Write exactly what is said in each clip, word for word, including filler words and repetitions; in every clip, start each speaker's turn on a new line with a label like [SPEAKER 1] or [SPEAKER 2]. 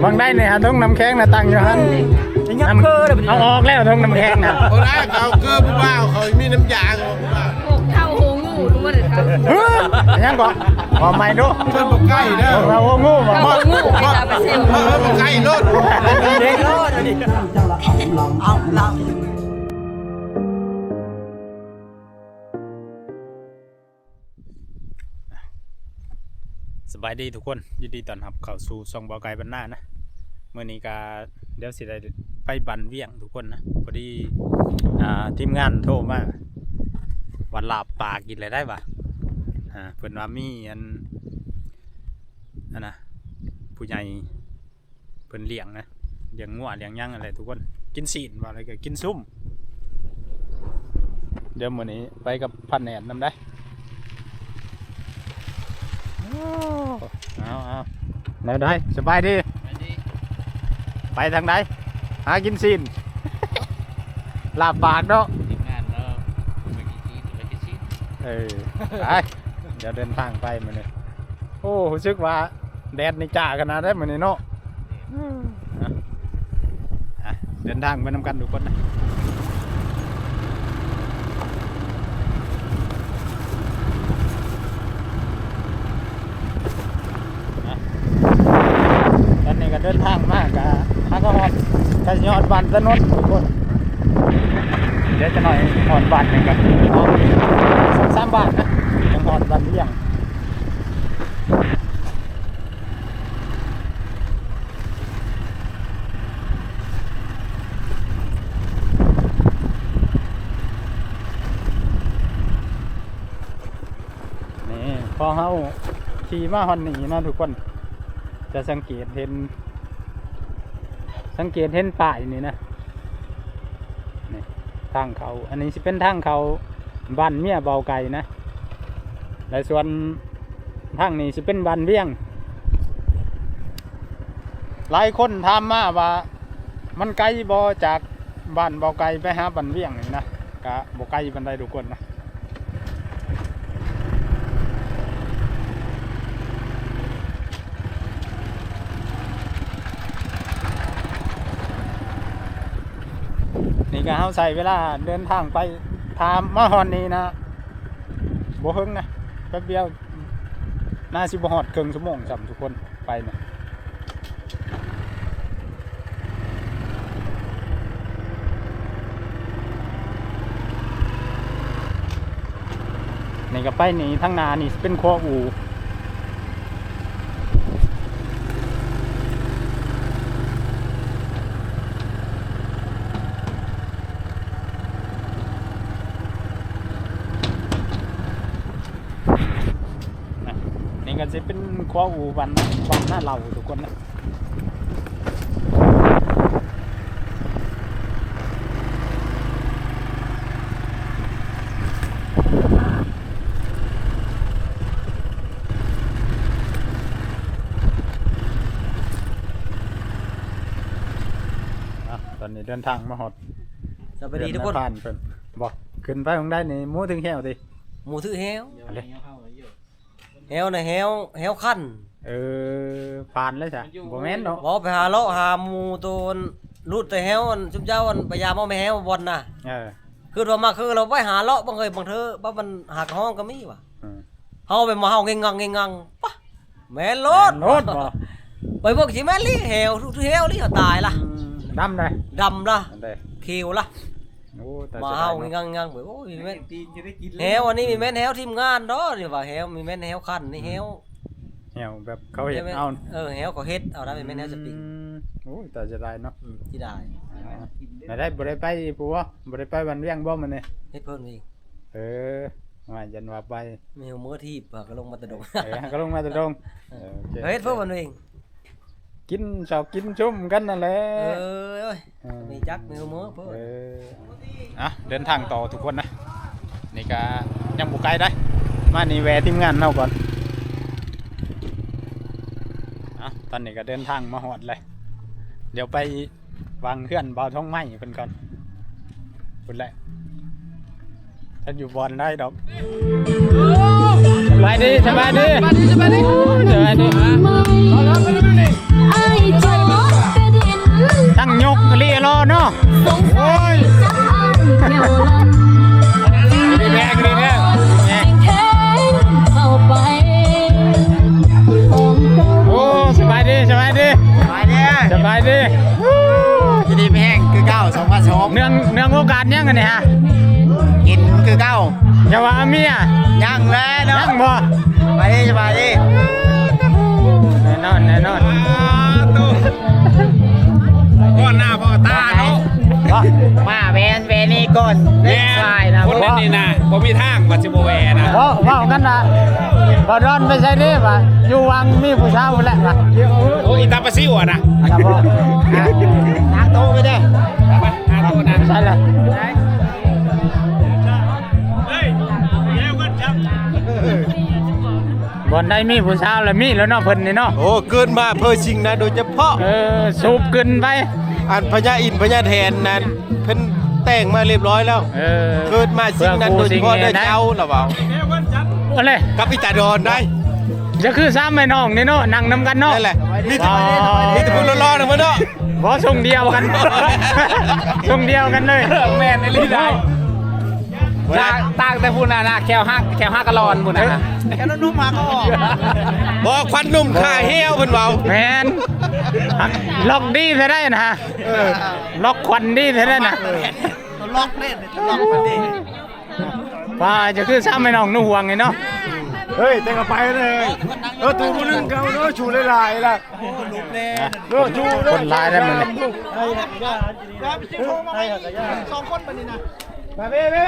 [SPEAKER 1] บางได้เนี่ยฮะต้องน้ำแข็งนะตั้งอยู่ฮั่นน้ำเอาออกแล้วต้องน้ำแข็งนะ
[SPEAKER 2] เขาได้เขาเกลือผู้บ่าวเขามีน้ำยาเขาผู้บ่าว
[SPEAKER 3] เท่าหูงูรู้ว่าเด็ดเท่า
[SPEAKER 1] เฮ้ยยังก่อนพอไม่ดู
[SPEAKER 2] เพิ่นบอกใกล้เด้อ
[SPEAKER 1] เรางูมา
[SPEAKER 3] เท่าหูงูไปตาไปเซล
[SPEAKER 2] เพิ่นบอกใกล้รถ
[SPEAKER 1] เด็กรอดดิเอาเราสบายดีทุกคนยินดีต้อนรับเข้าสู่ช่องบ่อไก่บรรณานะเมื่อนี้ก็เดี๋ยวสิได้ไปบันเวียงทุกคนนะพอดีอ่าทีมงานโทรมาวันลาบปลากินอะไรได้ปะอ่าเพิ่นว่ามีอันอันนะผู้ใหญ่เพิ่นเลี้ยงนะเลี้ยงงัวเลี้ยงย่างอะไรทุกคนกินศีลว่าอะไรก็กินซุ่มเดี๋ยวมื้อนี้ไปกับพันแหนนนำได้เอาเอาแล้วได้สบายดีไปทางใดหากินซีนลาบปากเนาะเออไปเดี๋ยวเดินทางไปมื้อนี้โอ้รู้สึกว่าแดดนี่จ้าขนาดได้มื้อนี้เนาะเดินทางไปนำกันทุกคนนะตอนนี้ก็เดินทางมากกะฮักก็ฮอดกะยอดบ้านถนนทุกคนเดี๋ยวจะหน่อยฮอดบ้านนึงกันสองสามบ้านนะยังฮอดบ้านเลี้ยงนี่พอเฮาขี่มาฮอดนี่นะทุกคนจะสังเกตเห็นสังเกตเห็นป้ายนี่นะนี่ทางเขาอันนี้จะเป็นทางเขาบ้านเมียเบาไก่นะและส่วนทางนี้จะเป็นบ้านเวียงหลายคนถามมาว่ามันไกลบ่จากบ้านเบาไก่ไปหาบ้านเวียงนี่นะกะบ่ไกลบันไดทุกคนนะนี่ก็เขาใส่เวลาเดินทางไปทามมาฮอนนี้นะโบเฮิงนะแป๊บเดียวน่าสิบหอดครึ่งชั่วโมงสำทุกคนไปนะนี่ก็ไปนี่ทั้งนานี่เป็นครัวอูก็จะเป็นครัวอูวันวันหน้าเราทุกคนนะตอนนี้เดินทางมาหอด
[SPEAKER 4] สวัสดีทุกคน
[SPEAKER 1] ผ่านเพิ่นบอกขึ้นไปของได้ในมูถึงแหวดิ
[SPEAKER 4] หมูถือแฮว
[SPEAKER 1] อะไร
[SPEAKER 4] แฮวนะแฮวแฮวขั้น
[SPEAKER 1] เออผ่านแล้วจ้ะบ่แม่นเนาะ
[SPEAKER 4] บอกไปหาเลาะหาหมูตัวรูดแต่แฮวชุบเจ้าอันพยายามเอาไม่แฮวบอลน่ะ
[SPEAKER 1] เออ
[SPEAKER 4] คือเรามาคือเราไปหาเลาะบางเคยบางเธอบ่มันหักห้องก็มีว่ะเฮาไปมาเฮาเงงังเงงังปะแม่นรถ
[SPEAKER 1] รถบ่
[SPEAKER 4] ไปพวกสิแม่นลิแฮวทุกแฮวลิตายล่ะ
[SPEAKER 1] ดำได้
[SPEAKER 4] ดำล่ะเขียวล่ะมาเฮาเงงังงังโอ้ยแม่นแฮวอันนี้มีแม่นแฮวทีมงานเนาะนี่ว่าแฮวมีแม่นแฮวขั้นนี่แฮว
[SPEAKER 1] แฮวแบบเขาเฮ็ดเอา
[SPEAKER 4] เออแฮวก็เฮ็ดเอาได้เป็นแม่นแฮวสปริง
[SPEAKER 1] โอ้ยแต่จะได้เนาะ
[SPEAKER 4] ที่ได้
[SPEAKER 1] ได้ได้บ่ได้ไปปู่บ่บ่ได้ไปวันเวียงบ่มื้อนี้
[SPEAKER 4] เฮ็ดเพิ่นอีก
[SPEAKER 1] เออว่ายันว่าไป
[SPEAKER 4] มีหัวมื้อที่ก็ลงมาตะดง
[SPEAKER 1] เออก็ลงมาตะดง
[SPEAKER 4] เออเฮ็ดเพิ่นวันเอง
[SPEAKER 1] กินชอบกินชุ่มกันนั่นแหละ
[SPEAKER 4] เออเอ้ยมีจักมีหัวมื้อเพิ่น
[SPEAKER 1] เอออ่ะเดินทางต่อทุกคนนะนี่ก็ยังบ่ไกลได้มานี่แวะทีมงานเฮาก่อนอ่ะตอนนี้ก็เดินทางมาฮอดเลยเดี๋ยวไปวางเคลื่อนเบาท้องไม้เพิ่นก่อนพุ่นแหละถ้าอยู่บอลได้ดอกสบายดีสบายดีสบายดีสบายดีสบายดีสั่งยกเรียรอเนาะโอ้ยดีแม่ดีแม่โอ้สบายดีสบายดี
[SPEAKER 5] ไปเนี่ย
[SPEAKER 1] สบายดี
[SPEAKER 5] จะดีไม่แห้งคือเก้าสองพันสอง
[SPEAKER 1] เนื่องเนื่องโอกาสยังกันเนี่ยฮะ
[SPEAKER 5] กินคือเก้า
[SPEAKER 1] อย่าว่าเมีย
[SPEAKER 5] ยังแล้วเนาะ
[SPEAKER 1] ยังบ่
[SPEAKER 5] ไปดิสบายดิ
[SPEAKER 1] แน่นอนแน่นอน
[SPEAKER 2] พ่อหน้าพ่อตาเนาะ
[SPEAKER 5] มาแวนแวนนี่ก่อนเล่นทรายนะ
[SPEAKER 2] คนนั้นนี่นะผมมีทางวัชิโบแวนะ
[SPEAKER 1] เพราะว่ากันนะบ่ร้อนไม่ใช่ดิป่ะอยู่วังมีผู้สาวแหละป่ะ
[SPEAKER 2] โอ้อีตาปะซิวอ่ะนะ
[SPEAKER 1] ครับผม
[SPEAKER 5] ทางโต๊ะไปเด้อ
[SPEAKER 2] ไปหาตัวนั้น
[SPEAKER 1] ใช่เลย
[SPEAKER 2] เฮ้ยเร็วกันจับ
[SPEAKER 1] บ่อนได้มีผู้สาวแล้วมีแล้วเนาะเพิ่นนี่เนาะ
[SPEAKER 2] โอ้เกินมาเพื่อชิงนะโดยเฉพาะ
[SPEAKER 1] เออสูบขึ้นไป
[SPEAKER 2] อันพญาอินพญาแทนนั้นเพิ่นแต่งมาเรียบร้อยแล้ว
[SPEAKER 1] เออ
[SPEAKER 2] เกิดมาชิงนั้นโดยเฉพาะได้เจ้าหรือเปล่า
[SPEAKER 1] อะไร
[SPEAKER 2] กับอิตาดอนได้
[SPEAKER 1] จะคือซ้ำแม่น้องนี่เนาะนั่งนำกันเนาะ
[SPEAKER 2] นั่นแหละนี่แต่นี่แต่พูดร้อนๆนะพ่อเนาะ
[SPEAKER 1] บ่ส่งเดียวกันส่งเดียวกันเลย
[SPEAKER 2] แม่นไอ้ลีได้ต่างแต่พูดนะนะแควห้าแควห้ากะลอนพูดนะ
[SPEAKER 5] แค่นั้นนุ่มมาก็ออก
[SPEAKER 2] บอกควันนุ่มข่าเหี้ยวเพิ่นเว้า
[SPEAKER 1] แมนล็อกดีซะได้นะฮะล็อกควันดีซะได้นะ
[SPEAKER 5] ล็อกเล่นล็อกมันดิ
[SPEAKER 1] ว่าจะคือซ้ำแม่น้องนุ่ห่วงไงเนาะ
[SPEAKER 2] เฮ้ยแต่ก็ไปเลยเออตูผู้นึงเขาเนาะชูหลายๆล่ะ
[SPEAKER 5] ลุกเล่น
[SPEAKER 2] เออชู
[SPEAKER 1] คนร้ายได้มันเลย
[SPEAKER 5] สองคนปนี่นะ
[SPEAKER 2] มาเบ้เบ้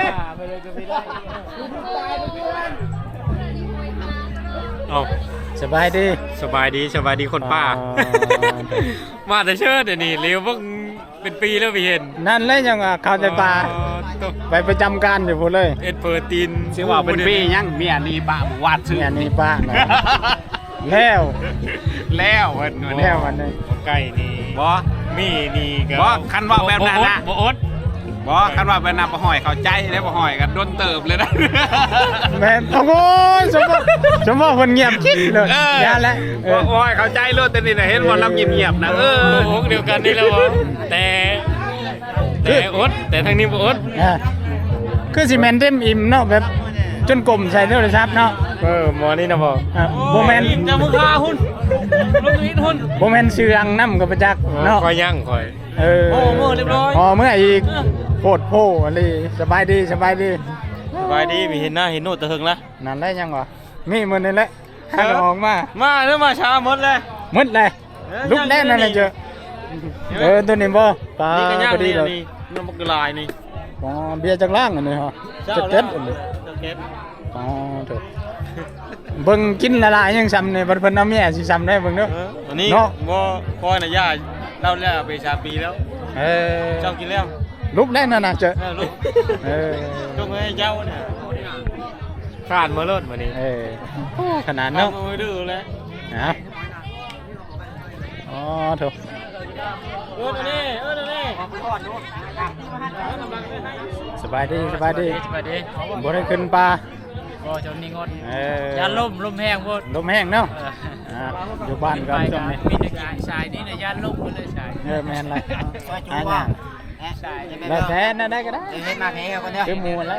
[SPEAKER 6] เอา
[SPEAKER 1] สบายดี
[SPEAKER 6] สบายดีสบายดีคนป้า มาแต่เชิดเดี๋ยวนี้เร็วเพิ่งเป็นปีแล้วไปเห็น
[SPEAKER 1] นั่นเลยยังอ่ะเข้าใจป่า
[SPEAKER 6] อ๋อต้อง
[SPEAKER 1] ไปประจำการอยู่พูดเลย
[SPEAKER 6] เอ็ดเปิดตีน
[SPEAKER 2] สิว่าเป็นปียังเมียนี่ป้าบ่วาดซื้อ
[SPEAKER 1] เนี่ยนี่ป้าเนาะแล้ว
[SPEAKER 6] แล้ววันนี้
[SPEAKER 1] แล้ววันนี้
[SPEAKER 6] ไก่นี่
[SPEAKER 2] บ่
[SPEAKER 6] มีนี่ก็
[SPEAKER 2] บ่คันว่าแบบนั้นนะ
[SPEAKER 6] บ่อด
[SPEAKER 2] บ่คันว่าเป็นน้ำบ่ห้อยเข้าใจแล้วบ่ห้อยกันโดนเติบเลยนะ
[SPEAKER 1] แม่นโอ้โหสมมติสมมติคนเงียบคิดเลย
[SPEAKER 2] เออ
[SPEAKER 1] อย่าละเอ
[SPEAKER 2] บ่
[SPEAKER 1] อ
[SPEAKER 2] ห้อยเข้าใจโลดแต่นี่น่ะเห็นว่าเราเงียบๆนะเออ
[SPEAKER 6] โอ้โหเดียวกันนี่แล้วบ่แต่แต่อดแต่ทางนี้บ่อด
[SPEAKER 1] อ่ะคือสิแมนเต็มอิ่มเนาะแบบจนกลมใส่โทรศัพท์เนาะ
[SPEAKER 6] เออหมอนี่นะบ่
[SPEAKER 1] อ่ะโบแมน
[SPEAKER 6] จะมึงฆ่าหุ่นลงนิดหุ่น
[SPEAKER 1] โบแมนเชืองน้ำกับประจักษ์เนาะ
[SPEAKER 6] คอยยั่งคอย
[SPEAKER 1] เออ
[SPEAKER 6] โอ้เมื่อเรียบร้อย
[SPEAKER 1] พอเมื่ออีกโคตรโพอะไรสบายดีสบายดี
[SPEAKER 6] สบายดีมีเห็นหน้าเห็นโน้ตตะหึงละ
[SPEAKER 1] นั่นได้ยังวะมีมันนี่แหละให้มันออกมา
[SPEAKER 6] มาเริ่มมาช้าหมดเลย
[SPEAKER 1] หมืดเลยลุกแน่นอนเลยเจอเออตัวนี้บ่ปลา
[SPEAKER 6] นี่ก็ย่าง
[SPEAKER 1] พอดี
[SPEAKER 6] นี่
[SPEAKER 1] เลย
[SPEAKER 6] นี่น้ำมันกระลายนี่
[SPEAKER 1] อ๋อเบียร์จากล่างอันนี้ฮะจะเก็ดอันนี้
[SPEAKER 6] เจ้าเก็ต
[SPEAKER 1] อ๋อเถอะเบิ่งกินละลายยังซ้ำเนี่ยเพิ่นเอาแม่สิซ้ำได้เบิ่งเด้อ
[SPEAKER 6] เออวันนี้
[SPEAKER 1] เนาะ
[SPEAKER 6] บ่คอยนะย่าเล่าแล้วไปชาปีแล้ว
[SPEAKER 1] เออ
[SPEAKER 6] เจ้ากินแล้ว
[SPEAKER 1] ลุกแน่นอนนะเจอ
[SPEAKER 6] เออลูก
[SPEAKER 1] เออ
[SPEAKER 6] ลูกให้เจ้าเนี่ยขาดมาเลิศมานี่
[SPEAKER 1] เออขนาด
[SPEAKER 6] น้อ
[SPEAKER 1] เนาะ
[SPEAKER 6] งมือดื้อแล้ว
[SPEAKER 1] นะอ๋อเถอะ
[SPEAKER 6] เออนี่เออนี่
[SPEAKER 1] สบายดีสบายดี
[SPEAKER 7] สวัสดี
[SPEAKER 1] บ่ได้ขึ้นปลา
[SPEAKER 7] ก็จนนี่งด
[SPEAKER 1] เออ
[SPEAKER 7] ยาล่มลมแห้งหมด
[SPEAKER 1] ลมแห้งเนาะ
[SPEAKER 7] เออ
[SPEAKER 1] อ่าอยู่บ้าน
[SPEAKER 7] ไป
[SPEAKER 1] กันช่
[SPEAKER 7] กั
[SPEAKER 1] วง
[SPEAKER 7] น
[SPEAKER 1] นี้
[SPEAKER 7] มีแต่กายชายนี่นะยาล่มไปเลยชาย
[SPEAKER 1] เออแม่นไร
[SPEAKER 5] ซอยจู
[SPEAKER 1] อ่า
[SPEAKER 5] ว่า
[SPEAKER 7] ชาย
[SPEAKER 1] แล้วแท้น่ะได้ก็ได้
[SPEAKER 5] เห็นมาแพ้กันเนี่ย
[SPEAKER 1] คือหมูแล้ว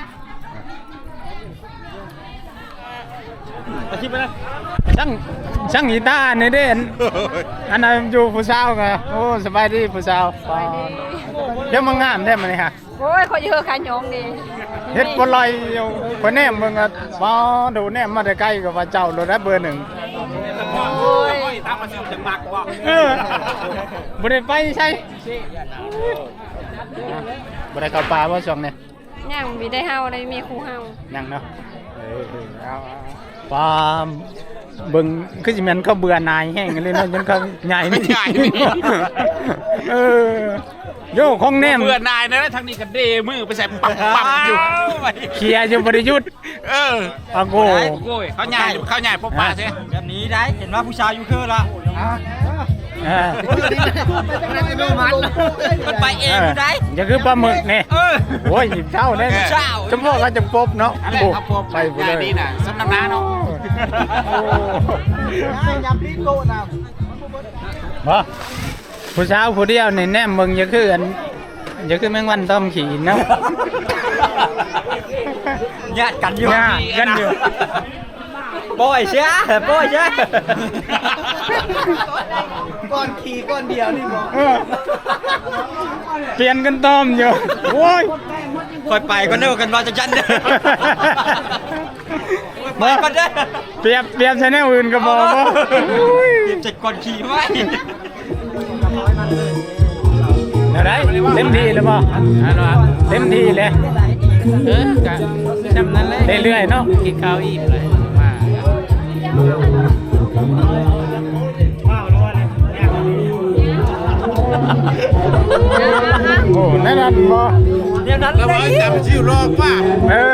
[SPEAKER 6] มาคิดไปนะ
[SPEAKER 1] ช่างช่างกีตาร์นี่เด้อันอันนั้นอยู่ผู้สาวไงโอ้สบายดีผู้สาวเดี๋ยวมางามแท้มันนี่ฮะ
[SPEAKER 3] โอ้ยขอเยอะขายองดี
[SPEAKER 1] เฮ็ดบ่ลอยอยู่คนแนมเบิ่งอ่ะบ่ดูแนมมาแต่ไกลก็ว่าเจ้าโดนได้เบอร์หนึ่ง
[SPEAKER 3] โอ้ย
[SPEAKER 2] ตามมาซื้อจังมักบ่
[SPEAKER 1] เออบ่ได้ไปใช่บ่ได้เข้าป่าบ่ช่วงนี้
[SPEAKER 3] ย่างมีได้เฮาได้มีครูเฮา
[SPEAKER 1] ยังเนาะเออเอาปลาเบิ่งคือสิแม่นเขาเบื่อหน่ายแห้งเลยเนาะจนเขาใหญ่นี่เออโยของแนม
[SPEAKER 2] เบื่อนายนะทางนี้ก็เดมือไปใส่ปับปับอยู่
[SPEAKER 1] เคลียร์อยู่บ่ได้หยุด
[SPEAKER 2] เออ
[SPEAKER 1] อาโก
[SPEAKER 2] โอ้ยเขาใหญ่เขาใหญ่พบปลาใช่
[SPEAKER 5] แบบนี้ได้เห็นว่าผู้ชายอยู่คือละ
[SPEAKER 1] เออ
[SPEAKER 5] มันไปเองอยู่ได้
[SPEAKER 1] อย่าคือปลาหมึกนี่โอ้ยหยิบเช้าเด้
[SPEAKER 5] เช้า
[SPEAKER 1] จำพวกเราจะปบเนาะ
[SPEAKER 2] อะไรครับพวก
[SPEAKER 1] ไปบ่เลย
[SPEAKER 2] นี่น่ะสำนักน้าเนาะ
[SPEAKER 1] โอ้
[SPEAKER 5] ยำลิ้นโตนะ
[SPEAKER 1] มาผู้สาวผู้เดียวนี่แนมมึงอย่าคืออันอย่าคือแมงวันต้อมขี่เนาะ
[SPEAKER 4] ญาติกันอยู่
[SPEAKER 1] ญาติกันอยู่
[SPEAKER 4] ปล่อยเชียปล่อยเชีย
[SPEAKER 2] ก้อนขี่ก้อนเดียวนี่บอก
[SPEAKER 1] เออเปลี่ยนกันต้อมอยู่โอ้ย
[SPEAKER 4] คอยไปก็เนึกกันว่าจะยันเด้อไปก็ได้
[SPEAKER 1] เปรียบเปรียบชแนลอื่นก็บอกว่า
[SPEAKER 4] เตรียมจัดก่อนขี่ไว้
[SPEAKER 1] อะไรเต็มที่เลยป่ะเต็มที่เลย
[SPEAKER 7] เออกะจำนั้นเลย
[SPEAKER 1] เรื่อยๆเนาะ
[SPEAKER 7] กินข้าวอิ่มเลยมา
[SPEAKER 1] โอ้นั่นนั่นบ่
[SPEAKER 4] เดี๋ยวนั้น
[SPEAKER 2] แล้วว่าจำชื่อรอบว่า
[SPEAKER 1] เออ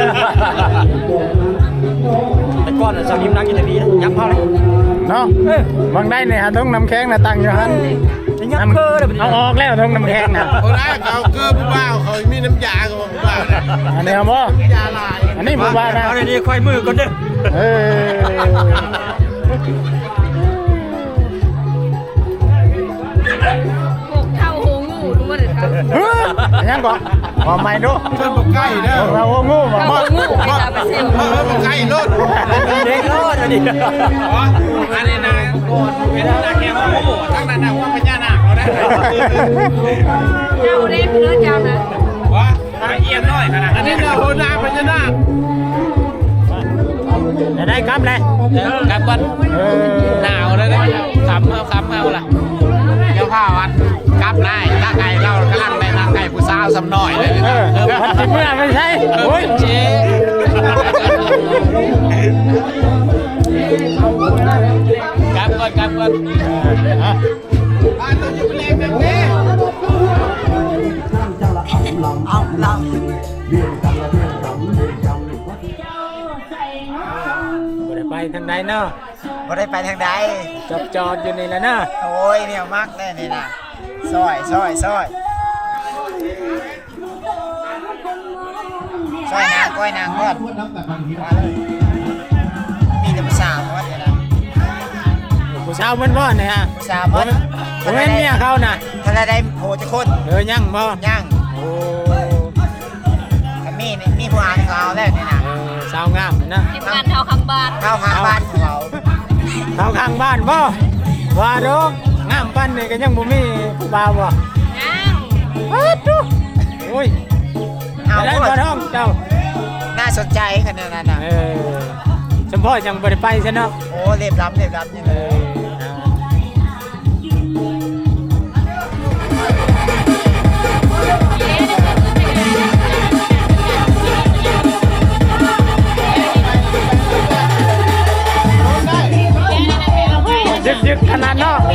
[SPEAKER 4] แต่ก่อนน่ะสาวนิ่มนั่งอยู่ในนี้ยับเผาเลย
[SPEAKER 1] เนาะบางได้เนี่ยฮะต้องน้ำแข็งน่ะตั้งอยู่หัน
[SPEAKER 4] ยับเกอเลย
[SPEAKER 1] เอาออกแล้วต้องน้ำแข็งน่ะ
[SPEAKER 2] คนแรกเขาเกลือผู้บ่าวเขามีน้ำยากับผู้บ่าวนะ
[SPEAKER 1] อันนี้เอาบ่
[SPEAKER 2] ยาลาย
[SPEAKER 1] อันนี้ผู้ว่านะ
[SPEAKER 4] เอาในนี้ค่อยมือก่อนเด้อ
[SPEAKER 1] เออ
[SPEAKER 3] พวกเท่าโหงูรู้ว่าเด็ดครับ
[SPEAKER 1] เฮ้ยยังก่อนว่าไม่ดู
[SPEAKER 2] เพิ่นบอกใกล้เด้อ
[SPEAKER 1] เราโง่บ่
[SPEAKER 3] เท่า
[SPEAKER 1] บ่
[SPEAKER 3] โหงูไปตามไปเซล
[SPEAKER 2] เพิ่นบอกใกล้รถ
[SPEAKER 4] เด็กรอดอันนี้
[SPEAKER 6] อันนี้นะเป็นนาแก้วโอ้ทั้งนั้นนะว่าพญานาคเราได้
[SPEAKER 3] เจ้าเด็กเนื้อเจ้านะ
[SPEAKER 6] ว่าละเอียดน้อยขนาด
[SPEAKER 2] อัน
[SPEAKER 6] นี้
[SPEAKER 2] นี้นะโหนาพญานาค
[SPEAKER 1] จะได้กลับเลย
[SPEAKER 7] กลับก่อน
[SPEAKER 1] เออ
[SPEAKER 7] หนาวเลยนะขำเอาขำเอาล่ะ
[SPEAKER 6] เดี๋ยวข้าวอันกลับได้ถ้าไก่เรากำลังไปทางไก่ผู้สาวสำน้อยเลย
[SPEAKER 1] เออเออพันสิบเมื่อไม่ใช่โอ้ย
[SPEAKER 7] เจ๊ กลับก่อนกลับก่อน
[SPEAKER 2] บ้านต้องอยู่เป็นแรงแบบนี้
[SPEAKER 4] เอาลัง
[SPEAKER 1] บ่ได้ไปทางใดเนาะ
[SPEAKER 5] บ่ได้ไปทางใด
[SPEAKER 1] จอดจอดอยู่นี่แหละเนาะ
[SPEAKER 5] โอ้ยเนี่ยมักแน่นี่นะซอยซอยซอยซอยนางก้อยนางก่อนมาเลยมีแต่ภาษาววัดเนี่ยนะ
[SPEAKER 1] ผู้สาวมันบ่เนี่ยฮะ
[SPEAKER 5] ภาษาววัด
[SPEAKER 1] บ่แม่นเมียเขาน่ะ
[SPEAKER 5] ถ้าได้โหจะคน
[SPEAKER 1] เออยังบ่
[SPEAKER 5] ย่าง
[SPEAKER 1] โอ้
[SPEAKER 5] ถ้ามีนี่มีผู้อ่านข่าวแล้วนี่นะ
[SPEAKER 1] เออสาวงามนะ
[SPEAKER 3] ทีมงานเท่าข้างบ้าน
[SPEAKER 5] เข้าข้างบ้านของเรา
[SPEAKER 1] เขาข้างบ้านบ่ว่าดอกงามปานนี่ก็ยังบ่มีผู้บ่าวบ่
[SPEAKER 3] ย่าง
[SPEAKER 1] อ้าวดูโอ้ย
[SPEAKER 5] เอา
[SPEAKER 1] ไปได้
[SPEAKER 5] พูด
[SPEAKER 1] บ่ท้องเจ้า
[SPEAKER 5] น่าสนใจขนาดนั้นนะ
[SPEAKER 1] เออสมพ่อจังบ่ได้ไปซะเนาะ
[SPEAKER 5] โอ้เรียบรับเรียบรับนี่
[SPEAKER 1] เอ
[SPEAKER 5] เลย
[SPEAKER 1] อยึกยึกขนาดเนาะ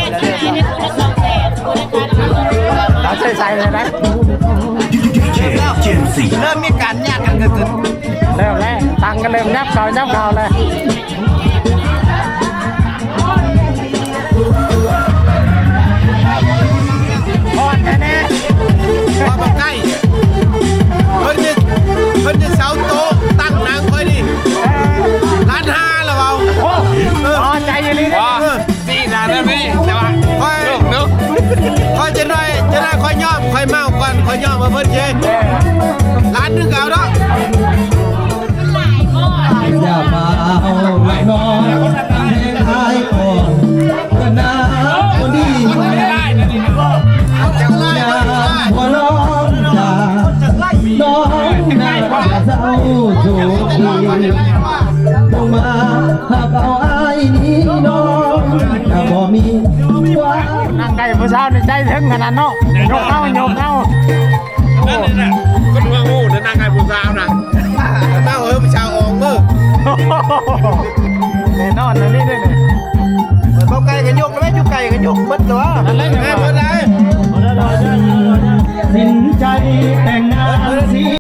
[SPEAKER 1] เราใส่ใส่เลยนะ
[SPEAKER 5] เริ่มมีการญาติกันเกิดขึ้น
[SPEAKER 1] เริ่มแล้วตังกันเริ่มยับเขายับเขาเลยพอดแน่
[SPEAKER 2] ว่าบอกใกล้เพิ่นจะเพิ่นจะเสาโต๊ะตั้งนางค่อยดิร้านห้าแล้วเอา
[SPEAKER 1] โอ้พอใจอยู่นี่นะ
[SPEAKER 2] เออ
[SPEAKER 6] สี่นานแล้วพี่แต่ว่า
[SPEAKER 2] ค่อย
[SPEAKER 6] ลูกนุ๊ก
[SPEAKER 2] ค่อยจะได้จะได้ค่อยย่อมค่อยเมาก่อนค่อยย่อมมาเพิ่นเจร้านนึงเอาเนาะ
[SPEAKER 8] อย่ามาเอาไม่นอนให้ทายก่อนก็น่าคนดี
[SPEAKER 2] จังไร
[SPEAKER 8] อย่า
[SPEAKER 2] จังไร
[SPEAKER 8] หัวร้อนอย่าน้องหน้าเศร้าโศกดีลงมาหากเอาไอ้นี้น้องถ้าบ่มีว่า
[SPEAKER 1] นั่งใกล้ผู้สาวในใจถึงขนาดเนาะยกเอายกเอา
[SPEAKER 2] นั่นน่ะคนว่างูเดินนางไก่ผู้สาวน่ะเต้าเฮ้ยผู้ชาวออกมือ
[SPEAKER 1] แน่นอนนะนี่ด้วยเนี่ย
[SPEAKER 2] เบาไก่กันยกแล้วจุกไก่กันยกมัดตัว
[SPEAKER 1] นั่นเลย
[SPEAKER 2] แม่เมื่อไร
[SPEAKER 8] สิ้นใจแต่งงานสี